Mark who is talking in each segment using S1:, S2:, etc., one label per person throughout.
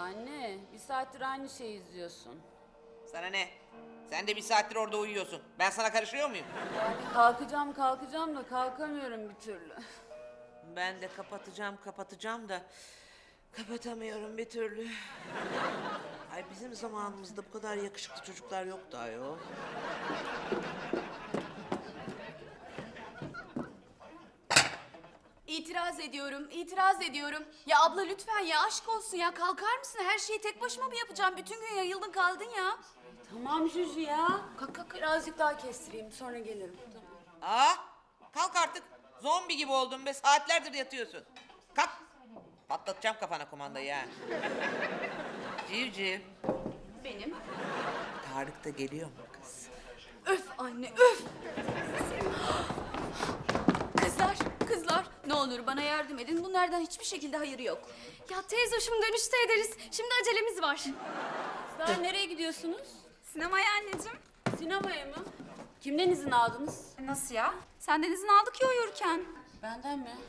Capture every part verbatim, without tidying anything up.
S1: Anne, bir saattir aynı şeyi izliyorsun.
S2: Sana ne? Sen de bir saattir orada uyuyorsun. Ben sana karışıyor muyum?
S1: Kalkacağım kalkacağım da kalkamıyorum bir türlü.
S2: Ben de kapatacağım kapatacağım da kapatamıyorum bir türlü. Ay bizim zamanımızda bu kadar yakışıklı çocuklar yoktu ayol.
S3: İtiraz ediyorum, itiraz ediyorum. Ya abla lütfen ya aşk olsun ya kalkar mısın? Her şeyi tek başıma mı yapacağım? Bütün gün yayıldın kaldın ya.
S1: Tamam Juju ya. Kalk kalk birazcık daha kestireyim sonra gelirim. Tamam.
S2: Aa, kalk artık. Zombi gibi oldun be. Saatlerdir yatıyorsun. Kalk. Patlatacağım kafana kumandayı ha. Civciv.
S3: Benim.
S2: Tarık da geliyor mu kız?
S3: Öf anne öf. Kızlar, kızlar ne olur bana yardım edin. Bunlardan hiçbir şekilde hayır yok.
S4: Ya teyze hoşum dönüşte ederiz. Şimdi acelemiz var.
S1: Kızlar nereye gidiyorsunuz?
S4: Sinemaya anneciğim.
S1: Sinemaya mı? Kimden izin aldınız?
S4: Nasıl ya? Senden izin aldık ya uyurken.
S1: Benden mi?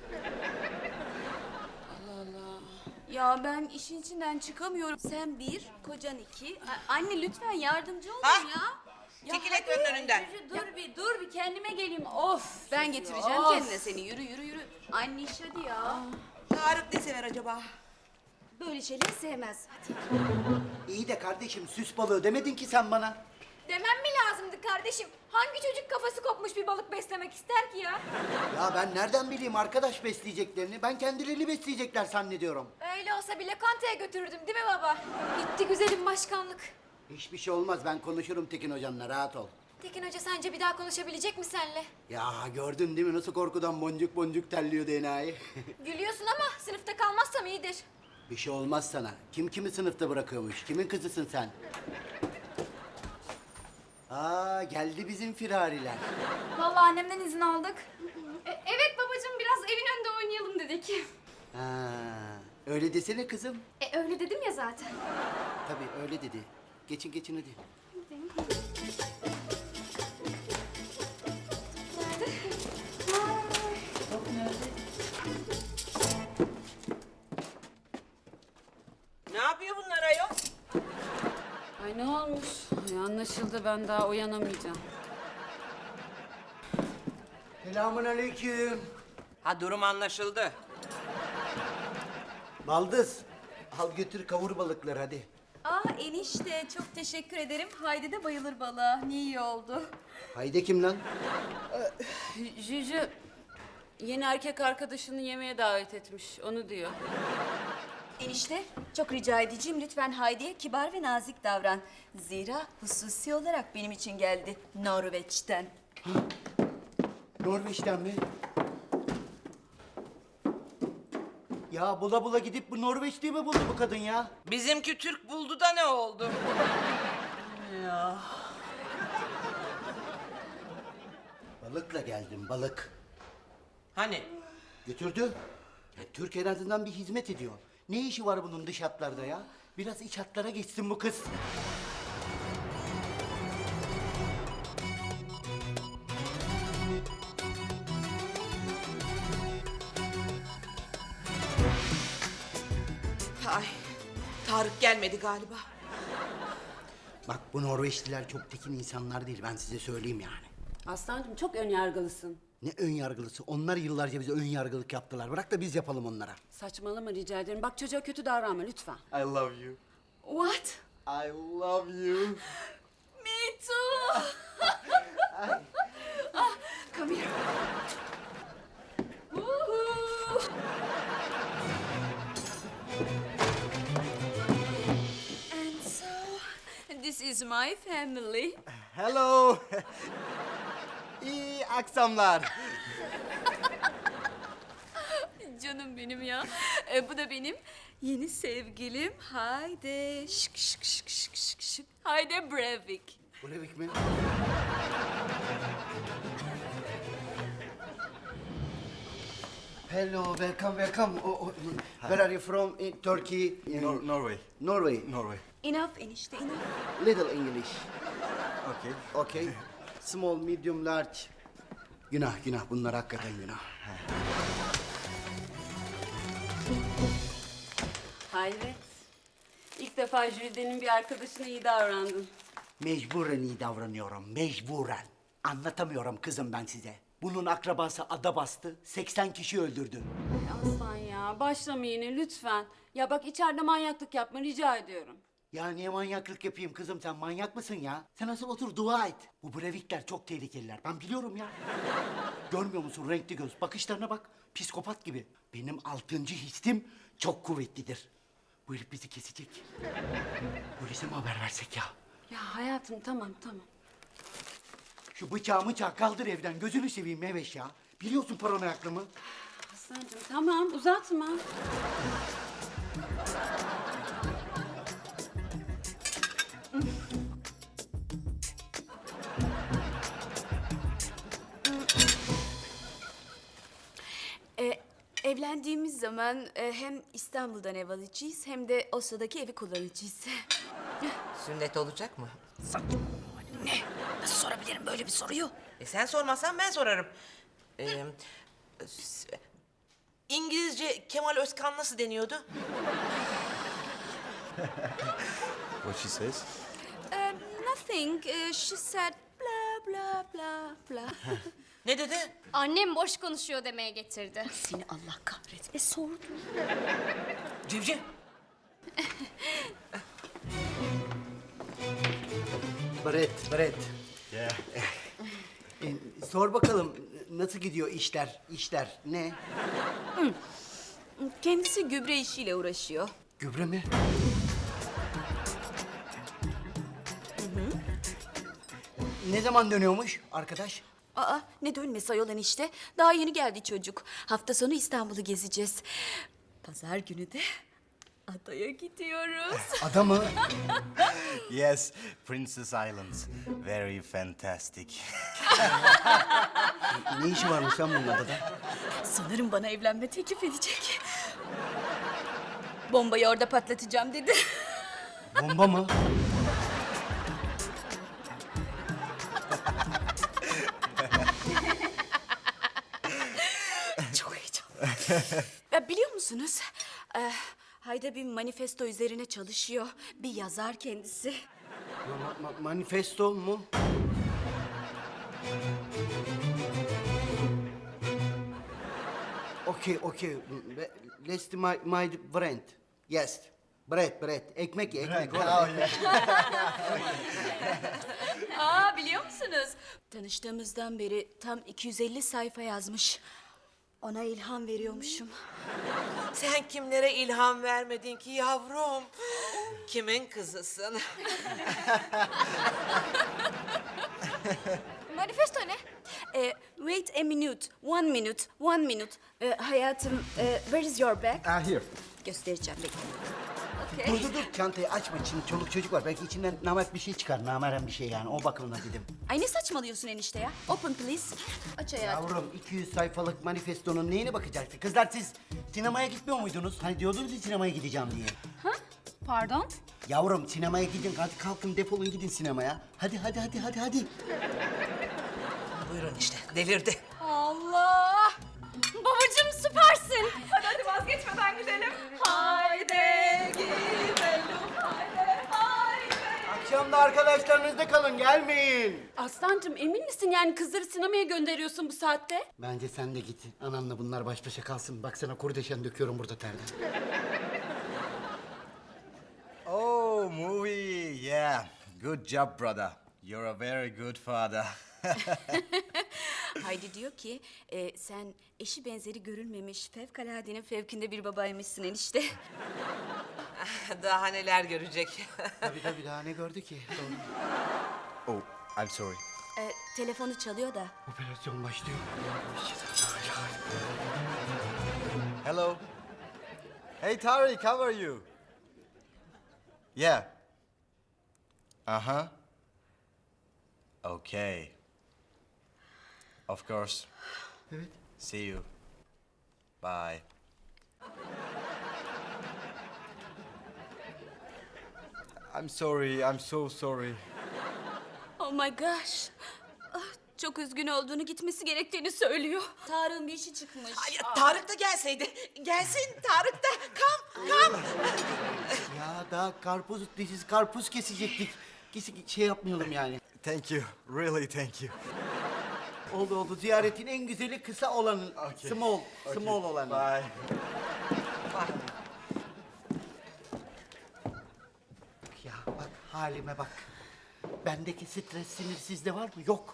S1: Allah Allah.
S3: Ya ben işin içinden çıkamıyorum. Sen bir, kocan iki. A- anne lütfen yardımcı olun
S2: Ha?
S3: ya. Ya
S2: Çekil
S3: hadi.
S2: ekranın önünden.
S1: Juju dur bir dur bir kendime geleyim. Of.
S3: Ben getireceğim
S1: Of.
S3: kendine seni. Yürü yürü yürü. Anne iş hadi ya.
S2: Tarık ne sever acaba?
S3: Böyle şeyleri sevmez. Hadi.
S5: İyi de kardeşim süs balığı demedin ki sen bana.
S4: Demem mi lazımdı kardeşim? Hangi çocuk kafası kopmuş bir balık beslemek ister ki ya?
S5: Ya ben nereden bileyim arkadaş besleyeceklerini? Ben kendilerini besleyecekler zannediyorum.
S4: Öyle olsa bile kantaya götürürdüm değil mi baba? Gitti güzelim başkanlık.
S5: Hiçbir şey olmaz, ben konuşurum Tekin hocamla, rahat ol.
S4: Tekin Hoca sence bir daha konuşabilecek mi senle?
S5: Ya gördün değil mi nasıl korkudan boncuk boncuk terliyordu enayi?
S4: Gülüyorsun ama sınıfta kalmazsam iyidir.
S5: Bir şey olmaz sana. Kim kimi sınıfta bırakıyormuş? Kimin kızısın sen? Aa geldi bizim firariler.
S4: Vallahi annemden izin aldık. E, evet babacığım biraz evin önünde oynayalım dedik.
S5: Ha, öyle desene kızım.
S4: E öyle dedim ya zaten.
S5: Tabii öyle dedi. Geçin geçin hadi.
S2: Ne yapıyor bunlar ayol?
S1: Ay ne olmuş? Ay anlaşıldı ben daha uyanamayacağım.
S5: Selamun aleyküm.
S2: Ha durum anlaşıldı.
S5: Baldız, al götür kavur balıkları hadi.
S3: Ah enişte çok teşekkür ederim. Haydi de bayılır balığa. Ne iyi oldu.
S5: Haydi kim lan?
S1: Juju yeni erkek arkadaşını yemeğe davet etmiş. Onu diyor.
S3: Enişte çok rica edeceğim lütfen Haydi'ye kibar ve nazik davran. Zira hususi olarak benim için geldi Norveç'ten.
S5: Norveç'ten mi? Ya bula bula gidip bu Norveç'te mi buldu bu kadın ya?
S2: Bizimki Türk buldu da ne oldu?
S5: Balıkla geldim balık.
S2: Hani?
S5: Götürdü. Ya, Türk en azından bir hizmet ediyor. Ne işi var bunun dış hatlarda ya? Biraz iç hatlara geçsin bu kız.
S2: Ay, Tarık gelmedi galiba.
S5: Bak bu Norveçliler çok tekin insanlar değil, ben size söyleyeyim yani.
S1: Aslancığım çok önyargılısın.
S5: Ne ön yargılısı? Onlar yıllarca bize ön yargılık yaptılar. Bırak da biz yapalım onlara.
S1: Saçmalama rica ederim. Bak çocuğa kötü davranma lütfen.
S5: I love you.
S3: What?
S5: I love you.
S3: Me too. ah, come here. Woohoo. And so, this is my family.
S5: Hello. İyi akşamlar.
S3: Canım benim ya. E, bu da benim yeni sevgilim. Haydi şık şık şık şık şık şık. Haydi Breivik.
S5: Breivik mi? Hello, welcome, welcome. Oh, oh, where are you from? In Turkey? In
S6: Nor- Norway.
S5: Norway.
S6: Norway.
S3: Enough enişte enough.
S5: Little English.
S6: Okay.
S5: Okay. Small, medium, large. Günah, günah. Bunlar hakikaten günah.
S1: Hayret. defa Jülide'nin bir arkadaşına iyi davrandın.
S5: Mecburen iyi davranıyorum, mecburen. Anlatamıyorum kızım ben size. Bunun akrabası ada bastı, seksen kişi öldürdü.
S1: Ay Aslan ya, başlama yine lütfen. Ya bak içeride manyaklık yapma rica ediyorum.
S5: Ya niye manyaklık yapayım kızım, sen manyak mısın ya? Sen asıl otur dua et. Bu Brevikler çok tehlikeliler, ben biliyorum ya. Görmüyor musun renkli göz, bakışlarına bak. Psikopat gibi. Benim altıncı hissim çok kuvvetlidir. Bu herif bizi kesecek. Polise mi haber versek ya?
S1: Ya hayatım tamam tamam.
S5: Şu bıçağı mıçağı kaldır evden, gözünü seveyim Meveş ya. Biliyorsun paranoyaklığımı.
S1: Aslancığım tamam uzatma.
S3: E, evlendiğimiz zaman e, hem İstanbul'dan ev alacağız hem de Oslo'daki evi kullanacağız.
S2: Sünnet olacak mı?
S3: Nasıl sorabilirim böyle bir soruyu?
S2: E sen sormazsan ben sorarım. Ee, s- İngilizce Kemal Özkan nasıl deniyordu?
S6: What she says?
S3: Um, nothing. Uh, she said blah blah blah blah.
S2: Ne dedi?
S4: Annem boş konuşuyor demeye getirdi.
S3: Seni Allah kahretme sordu.
S2: Civciv.
S5: Brett, Brett.
S6: Yeah.
S5: E, sor bakalım nasıl gidiyor işler, işler ne?
S3: Kendisi gübre işiyle uğraşıyor.
S5: Gübre mi? Ne zaman dönüyormuş arkadaş?
S3: Aa ne dönmesi ayol enişte. Daha yeni geldi çocuk. Hafta sonu İstanbul'u gezeceğiz. Pazar günü de adaya gidiyoruz.
S5: Ada mı?
S6: Yes, Princess Islands. Very fantastic.
S5: Ne işi varmış lan bunun adada?
S3: Sanırım bana evlenme teklif edecek. Bombayı orada patlatacağım dedi.
S5: Bomba mı?
S3: Çok heyecanlı. Ya biliyor musunuz? Ee, Hayda bir manifesto üzerine çalışıyor. Bir yazar kendisi.
S5: Ma- ma- manifesto mu? Okay, okay. Let's my, my friend. Yes. Bread, bread. Ekmek ye, ekmek.
S3: Aa biliyor musunuz? Tanıştığımızdan beri tam iki yüz elli sayfa yazmış. Ona ilham veriyormuşum.
S2: Sen kimlere ilham vermedin ki yavrum? Kimin kızısın?
S4: Manifesto ne?
S3: Ee, wait a minute, one minute, one minute. Ee, hayatım, e, where is your bag?
S6: Ah, here.
S3: Göstereceğim bekle.
S5: Dur dur dur çantayı açma, şimdi çoluk çocuk var. Belki içinden namert bir şey çıkar, nameren bir şey yani. O bakımdan dedim.
S3: Ay ne saçmalıyorsun enişte ya? Open please. Aç hayatım.
S5: Yavrum iki yüz sayfalık manifestonun neyine bakacaksın? Kızlar siz sinemaya gitmiyor muydunuz? Hani diyordunuz ya sinemaya gideceğim diye.
S4: Pardon?
S5: Yavrum sinemaya gidin, hadi kalkın defolun gidin sinemaya. Hadi hadi hadi hadi hadi.
S2: Buyurun işte delirdi.
S4: Allah! Babacığım süpersin. Hadi hadi vazgeçmeden gidelim. Haydi gidelim. Haydi haydi.
S5: Akşam da arkadaşlarınızda kalın, gelmeyin.
S1: Aslancığım emin misin yani kızları sinemaya gönderiyorsun bu saatte?
S5: Bence sen de git. Ananla bunlar baş başa kalsın. Baksana kurdeşen döküyorum burada terden.
S6: Oh, movie. Yeah. Good job, brother. You're a very good father.
S3: Haydi diyor ki e, sen eşi benzeri görülmemiş fevkaladenin fevkinde bir babaymışsın enişte.
S2: Daha neler görecek.
S5: Tabii tabii daha ne gördü ki? Doğru.
S6: Oh, I'm sorry.
S3: E, telefonu çalıyor da.
S5: Operasyon başlıyor.
S6: Hello. Hey, Tariq, how are you? Yeah. Uh-huh. Okay. Of course.
S5: Evet.
S6: See you. Bye. I'm sorry, I'm so sorry.
S3: Oh my gosh. Ah, çok üzgün olduğunu, gitmesi gerektiğini söylüyor. Tarık'ın bir işi çıkmış.
S2: Ay, Tarık da gelseydi. Gelsin Tarık da. Kam kam.
S5: Ya daha karpuz, dişiz karpuz kesecektik. Kesi şey yapmayalım yani.
S6: Thank you. Really thank you.
S5: Oldu oldu. Ziyaretin en güzeli kısa olanı.
S6: Okay.
S5: Small,
S6: Okay,
S5: small olanı.
S6: Bye.
S5: Ya bak halime bak. Bendeki stres sinir sizde var mı? Yok.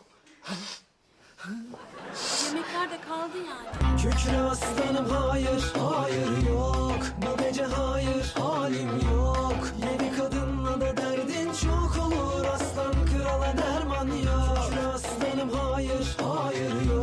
S1: Yemekler de kaldı yani.
S7: Kükre aslanım hayır, hayır yok. Bu gece hayır, halim yok. Yeni kadınla da derdin çok olur. Aslan krala derman yok. Kükre aslanım hayır, hayır yok.